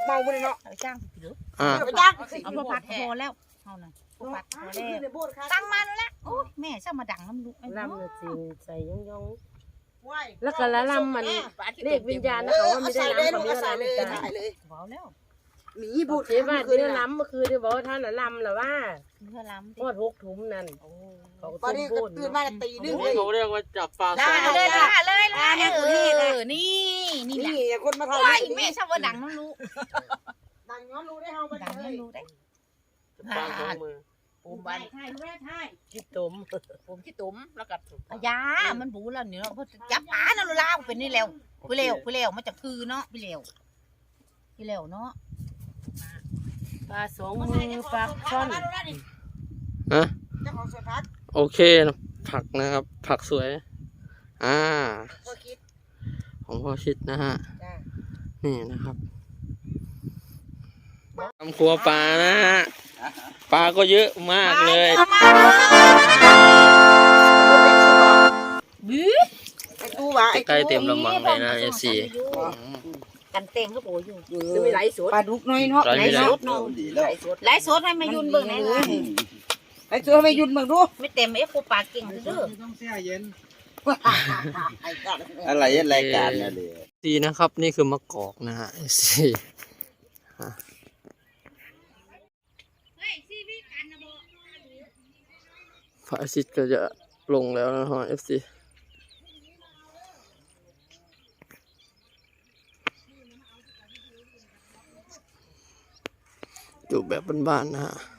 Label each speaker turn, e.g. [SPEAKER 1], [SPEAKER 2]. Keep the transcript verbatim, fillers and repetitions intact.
[SPEAKER 1] เมาไปเลยเนาะ
[SPEAKER 2] จ้างหรือ
[SPEAKER 3] อ่า
[SPEAKER 1] ไปจ้าง
[SPEAKER 2] เอาพอพัดพอแล้วเอาหน่อยพอพัดพอแล้วตั้งมาแล้วละโอ้ยแม่ช่างมาดังน้ำลูก
[SPEAKER 4] ลำน่ะจริงใส่ย่องย่อง
[SPEAKER 1] แล้
[SPEAKER 4] แล้ว ว
[SPEAKER 1] ก็
[SPEAKER 4] ก็
[SPEAKER 1] ละ
[SPEAKER 4] ละ
[SPEAKER 1] ลำ
[SPEAKER 4] ลำ
[SPEAKER 1] มั
[SPEAKER 4] มัน น
[SPEAKER 1] เรี
[SPEAKER 4] เรี
[SPEAKER 1] ย
[SPEAKER 4] ย
[SPEAKER 1] ก
[SPEAKER 4] ก
[SPEAKER 1] วิ
[SPEAKER 4] วิ
[SPEAKER 1] ญ
[SPEAKER 4] ญ
[SPEAKER 1] ญา
[SPEAKER 4] ญา
[SPEAKER 1] ณ
[SPEAKER 4] ณ
[SPEAKER 1] นะ
[SPEAKER 4] นะ
[SPEAKER 1] เขา
[SPEAKER 4] เขา
[SPEAKER 1] ว่า
[SPEAKER 4] ว่า
[SPEAKER 1] ไม่
[SPEAKER 4] ไม่
[SPEAKER 1] ได้
[SPEAKER 4] ได้
[SPEAKER 1] ลำ
[SPEAKER 4] ลำ
[SPEAKER 1] เขา
[SPEAKER 4] เขา
[SPEAKER 1] ไม่
[SPEAKER 4] ไม่
[SPEAKER 1] ได้
[SPEAKER 4] ได้
[SPEAKER 1] ลำ
[SPEAKER 4] ลำ
[SPEAKER 1] ถ่ายเลยถ่ายเลย
[SPEAKER 2] เบาแล้ว
[SPEAKER 1] หมีบุตร
[SPEAKER 4] เจ๊ว่าเดี๋ยวล้ำเมื่อคืนที่บอกว่าท่านละลำหรอว่า
[SPEAKER 2] เพื่อล้ำ
[SPEAKER 4] ทอดหกถุงนั่นเขา
[SPEAKER 1] ตอน
[SPEAKER 4] ต้ม
[SPEAKER 1] นี้
[SPEAKER 4] บุญ
[SPEAKER 1] ตื่นมาตีนึงเลย
[SPEAKER 3] เขาเรียกว่าจับปลา
[SPEAKER 2] ได้เลยละเลยละเออนี่นี่แหละ
[SPEAKER 1] นี่คนมาถ่าย
[SPEAKER 2] โอ้ยแม่ช่างมาดังน้ำลูก
[SPEAKER 1] ดังย้อนรู้ได้เฮาไป
[SPEAKER 2] ดัง
[SPEAKER 1] เล
[SPEAKER 2] น้ำ
[SPEAKER 1] ย
[SPEAKER 2] ลูกได้
[SPEAKER 3] ปลาสองมือ
[SPEAKER 2] ผมบ้านใช่ใช่ใช่
[SPEAKER 4] คิดต้ม
[SPEAKER 2] ผมที่ตุ้มแล้วก็ยามันบูแล้วเนี่ยเนาะเพราะจับปลานั่นลาวเป็นนี่แล้วพี่เลวพี่เลวมันจะคือเนาะพี่เลวพี่เลวเนาะ
[SPEAKER 4] ปลาสองมือปลาช่อน
[SPEAKER 3] ฮะ
[SPEAKER 1] เจ้าของสวนพัก
[SPEAKER 3] โอเคนะผักนะครับ ผักสวย อ่า
[SPEAKER 1] พ่อคิด
[SPEAKER 3] ของพ่อชิดนะฮะ
[SPEAKER 1] จ้า
[SPEAKER 3] นี่นะครับทำครัวปลานะฮะ ปลาก็เยอะมากเลย
[SPEAKER 2] บื้อ
[SPEAKER 1] ไอ้ตู้วะไอ้
[SPEAKER 3] ใกล้เต็มลำบังเลยนะเอฟซี
[SPEAKER 2] กันเต็งก็โบอยู่
[SPEAKER 4] จะมีไหลสด
[SPEAKER 1] ปลาดุกน้อยเนาะ
[SPEAKER 3] ร้อย
[SPEAKER 2] ไล
[SPEAKER 3] ไม่
[SPEAKER 2] ฟ์
[SPEAKER 3] ได้
[SPEAKER 2] สดเนาะไลฟ์สดให้มายุ่นเบิ่งไหนล่ะ
[SPEAKER 1] ไอ้ตัวไปยุ่นเบิ่งดู
[SPEAKER 2] ไม่เต็มเอ้กูปากเก่งเด้อ
[SPEAKER 5] อะไรรายการเนี่ยเลย
[SPEAKER 3] ดีนะครับ นี่คือมะกอกนะฮะเอฟซีพระอาทิตย์ก็จะลงแล้วนะฮะเอฟซีอยู่แบบบ้านๆนะฮะ